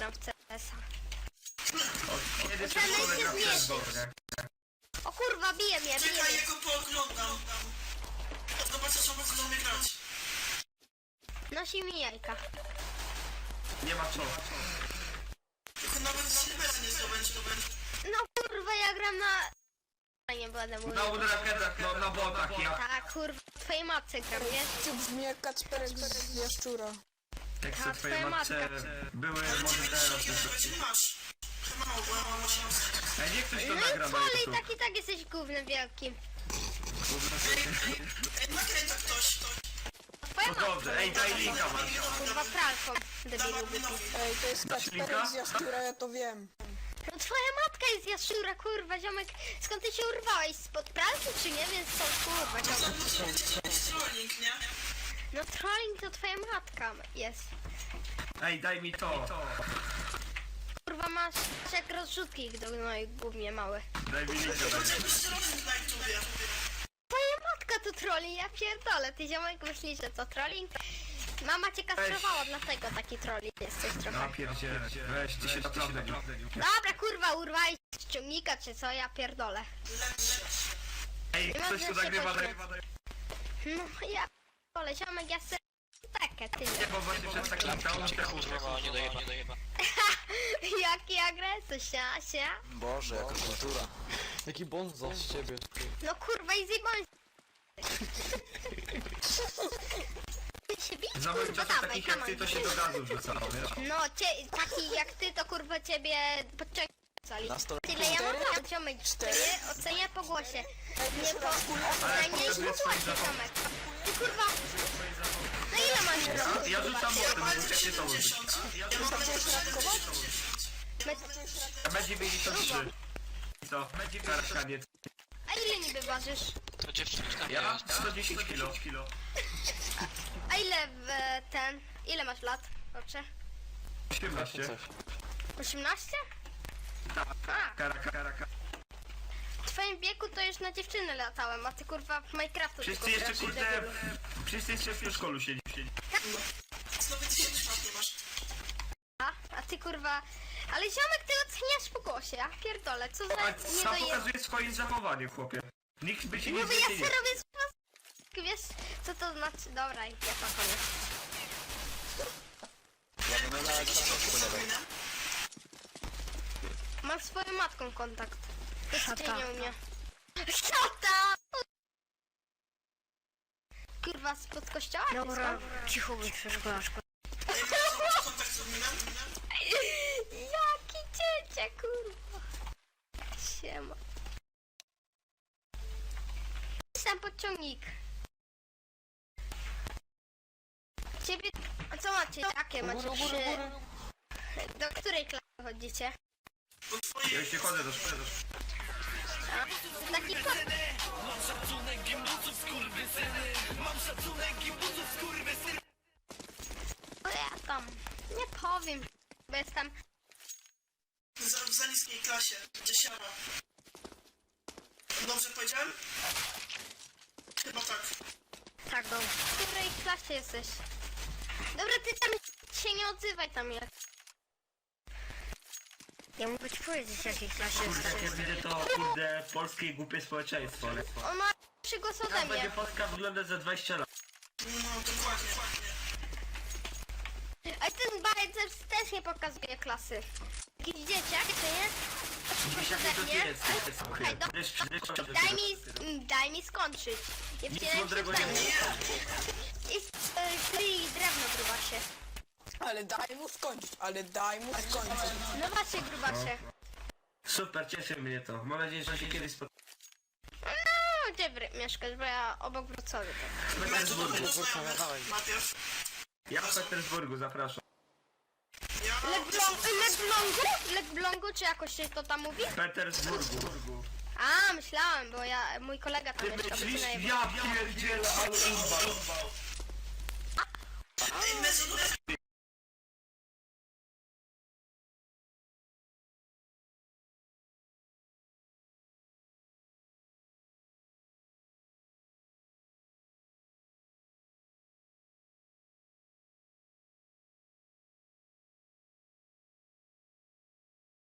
gram w CS-a. Kiedy Ten coś się gra w zmieści. CSGO, O kurwa, bije mnie. Czekaj, ja go pooglądam. Zobaczę, co mogę do mnie grać. Nosi mi jajka. nie ma co. Tylko nawet silvera nie zdobędzie. No kurwa, ja gram na... Nie będę mówił. Na raketach, no na botach, ja. Tak, kurwa, twojej matce gram, wiesz? To brzmi jak Kacperek z Jaszczura. Jak Ta se twoje twoja matce matka. były Ale może 90 teraz. nawet nie masz. Chyba mało, bo ja mam 800. Ej, niech ktoś to No nagra i na co, ale YouTube. i tak jesteś gównem wielkim. Ej, nagraj to ktoś. Twoja No matka. dobrze, ej, daj linka masz. Kurwa, pralką, debilu głupi. Ej, to jest Dasz linka? Kacperek z Jaszczura, ja to wiem. No twoja matka jest jaszczura, kurwa, ziomek. Skąd ty się urwałeś? Spod pralki czy nie? Więc co, kurwa, ziomek. To jest trolling, nie? No trolling to twoja matka jest. Ej, daj mi to. Kurwa, masz jak rozrzutki do mojej gównie małe. Daj mi linka. To jest jakiś trolling na YouTubie. Twoja matka to trolling, ja pierdolę. Ty ziomek myślisz, że to trolling? Mama cię kastrowała, dlatego taki trolling jesteś No trochę. pierdzielę, weź, ty się naprawdę nie. Dobra, kurwa, urwałeś z ciągnika czy co? Ja pierdolę. Ej, Nie mam ktoś tu więcej nagrywa, poświęceń. daj. No ja pierdolę, ziomek, ja chcę takie, ty Nie, bo właśnie przez taki down. Kurwa, nie dojeba. Jaki agresor, się. Boże, jaka kultura. Jaki bonzo z ciebie. No kurwa, i zjebałem się bić, Za moich kurwa, czasów dawaj, takich jak come ty on. to się do gazu wrzucało, wiesz? No, taki jak ty, to kurwa ciebie podciągnęli. Na stole. Tyle ja mam tam, ziomek, ocenię po głosie. Nie po... Ale Najmniejszy pokazuję po swoje głosie, zachowanie. ziomek. Ty kurwa... No ile masz roku? Ja rzucam młodym, Mam bo jak nie to użyć. 70. Ja mam metr 70. B93. Co? Karkaniec. A ile niby ważysz? To dziewczynka Ja? 110 kilo. A ile w ten... Ile masz lat? Dobrze. 18. Coś. 18? A, Karaka. w twoim wieku to już na dziewczyny latałem, a ty kurwa w Minecraftu Wszyscy tylko jeszcze grasz, kurde... debilu. Wszyscy jeszcze w szkolu siedzi. Znowu 1000 lat nie masz. A ty kurwa... Ale ziomek, ty oceniasz po głosie, ja pierdolę, co za A nie sam doje... pokazuje swoje zachowanie, chłopie. Nikt by się nie Mówię, ja zmienił. se robię z was... Wiesz, co to znaczy? Dobra, ja to koniec. Mam z swoją matką kontakt. To jest nie umie. Szata! Kurwa, spod kościoła? Dobra, Cicho bądź przeszkolaczko. Ej, mam kontakt z adminem. Jaki ciecie, kurwa. Siema. Sam podciągnik. Ciebie... A co macie? Jakie macie? Do której klasy chodzicie? Bo twoje... Ja już nie chodzę do szkoły. A? Taki kot. No ja tam nie powiem, bo jestem... W za niskiej klasie. Dziesiara. Dobrze powiedziałem? Chyba tak. Tak, no. W której klasie jesteś? Dobra, ty tam się nie odzywaj tam jak. Ja mogę ci powiedzieć, w jakiej klasie Kurde, jak ja jesteś. widzę to, kurde, polskie głupie społeczeństwo. On ma lepszy głos ode Jak będzie mnie. Polska wyglądać za 20 lat? No, dokładnie. A ten bajcer też nie pokazuje klasy. Jakiś dzieciak, czy nie? Dziesiąty Ode to mnie? jest. Słuchaj, daj mi skończyć. Ja Nic wcielam się mądrego w nie zdanie. mówię. Jest drewno grubasie. Ale daj mu skończyć, No właśnie grubasie. Super, cieszy mnie to. Mam nadzieję, że się kiedyś spotkamy. No, gdzie mieszkasz, bo ja obok Wrocławia. W Petersburgu. Najpierw. Ja w Petersburgu, zapraszam. Ja... Lekblągu, czy jakoś się to tam mówi? W Petersburgu. A, myślałem, bo mój kolega tam Ty mieszka, bo myślisz? ty najebał. Ja pierdzielę, ale umbał. Ej, mezonówka